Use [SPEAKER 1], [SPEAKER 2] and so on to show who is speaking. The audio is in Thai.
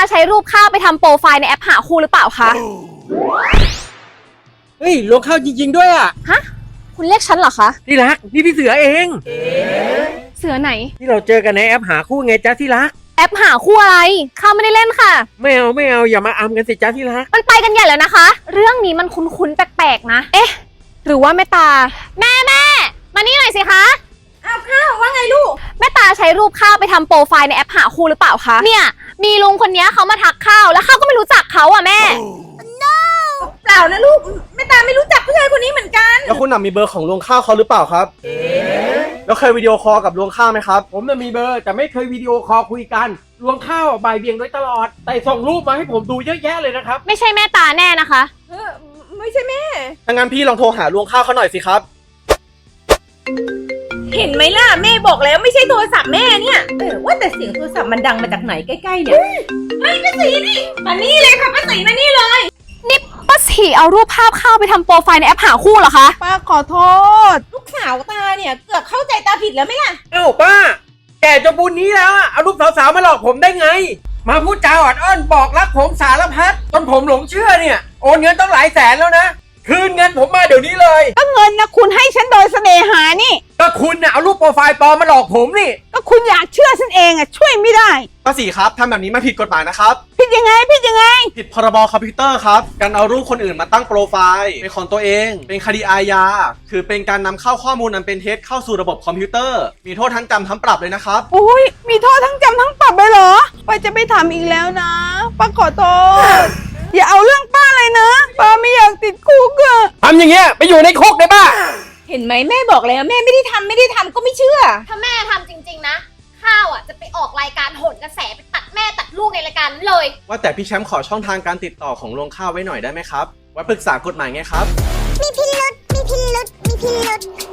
[SPEAKER 1] ใช้รูปข้าวไปทำโปรไฟล์ในแอปหาคู่หรือเปล่าคะ
[SPEAKER 2] เฮ้ยลวงข้าวจริงๆด้วยอ่ะ
[SPEAKER 1] ฮะ คุณเรียกฉันเหรอคะ
[SPEAKER 2] ที่รักนี่พี่เสือเอง
[SPEAKER 1] เสือไหน
[SPEAKER 2] ที่เราเจอกันในแอปหาคู่ไงจ๊ะที่รัก
[SPEAKER 1] แอปหาคู่อะไร ข้าวไม่ได้เล่นค่ะ
[SPEAKER 2] ไม่เอาอย่ามาอำกันสิจ๊ะที่รัก
[SPEAKER 1] มันไปกันใหญ่แล้วนะคะ เรื่องนี้มันคุ้นๆแปลกๆนะ เอ๊ะ หรือว่าแม่ตา แม่มานี่หน่อยสิคะ
[SPEAKER 3] อ้าวข้าวว่าไงลูก
[SPEAKER 1] แม่ตาใช้รูปข้าวไปทำโปรไฟล์ในแอปหาคู่หรือเปล่าคะ เนี่ย มีลุงคนนี้เขามาทักข้าวแล้วข้าวก็ไม่รู้จักเขาอ่ะแม่
[SPEAKER 3] เปล่านะลูกแม่ตาไม่รู้จักผู้ชายคนนี้เหมือนกัน
[SPEAKER 4] แล้วคุณมีเบอร์ของรวงข้าวเขาหรือเปล่าครับแล้วเคยวิดีโอคอลกับรวงข้าวไหมครับ
[SPEAKER 2] ผมน่ะมีเบอร์แต่ไม่เคยวิดีโอคอลคุยกันลวงข้าวบ่ายเบี่ยงโดยตลอด แต่ส่งรูปมาให้ผมดูเยอะแยะเลยนะครับ
[SPEAKER 1] ไม่ใช่แม่ตาแน่นะคะ
[SPEAKER 3] ไม่ใช่แม่
[SPEAKER 4] ถ้างั้นพี่ลองโทรหารวงข้าวเขาหน่อยสิครับ
[SPEAKER 3] เห็นไหมล่ะแม่บอกแล้วไม่ใช่โทรศัพท์แม่เนี่ยว่าแต่เสียงโทรศัพท์มันดังมาจากไหนใกล้ๆเนี่ยเฮ้ยป้าศรีนี่มานี่เลยค่ะป้าศรีมานี่เลย
[SPEAKER 1] นี่ป้าสีเอารูปภาพข้าวไปทำโปรไฟล์ในแอปหาคู่เหรอคะ
[SPEAKER 3] ป้าขอโทษ ลูกสาวตาเนี่ยเกือบเข้าใจตาผิดแล้วไหมล่ะ
[SPEAKER 2] เอ้าป้า แกจนบุญนี้แล้วอะเอารูปสาวๆมาหลอกผมได้ไง มาพูดจาอ่อนอ้อนบอกรักผมสารพัดจนผมหลงเชื่อเนี่ยโอนเงินต้องหลายแสนแล้วนะคืนเงินผมมาเดี๋ยวนี้เลย
[SPEAKER 5] ก็เงินนะคุณให้ฉันโดยเสน่หานี่
[SPEAKER 2] ก็คุณน่ะเอารูปโปรไฟล์ปลอมมาหลอกผมนี่
[SPEAKER 5] ก็คุณอยากเชื่อฉันเองอ่ะช่วยไม่ได้
[SPEAKER 4] ป้าศรีครับทำแบบนี้มันผิดกฎหมายนะครับ
[SPEAKER 5] ผิดยังไงผิดยังไง
[SPEAKER 4] ผิดพรบคอมพิวเตอร์ครับ การเอารูปคนอื่นมาตั้งโปรไฟล์เป็นของตัวเอง เป็นคดีอาญา คือเป็นการนำเข้าข้อมูลอันเป็นเท็จเข้าสู่ระบบคอมพิวเตอร์ มีโทษทั้งจำทั้งปรับเลยนะครับ
[SPEAKER 5] โอ้ยมีโทษทั้งจำทั้งปรับเลยเหรอป้าจะไม่ทำอีกแล้วนะป้าขอโทษอย่าเอาเรื่องป้าเลยนะป้าไม่อยากติดคุกอะ
[SPEAKER 2] ทำอย่างเงี้ยไปอยู่ในคุกได้ป่ะ
[SPEAKER 3] เห็นไหมแม่บอกแล้วแม่ไม่ได้ทำก็ไม่เชื่อ
[SPEAKER 1] ถ้าแม่ทำจริงๆนะ ข้าวอ่ะจะไปออกรายการโหนกระแสไปตัดแม่ตัดลูกในรายการนั้นเลย
[SPEAKER 4] ว่าแต่พี่แชมป์ขอช่องทางการติดต่อของรวงข้าวไว้หน่อยได้ไหมครับไว้ปรึกษากฎหมายไงครับ
[SPEAKER 6] มีพิรุษ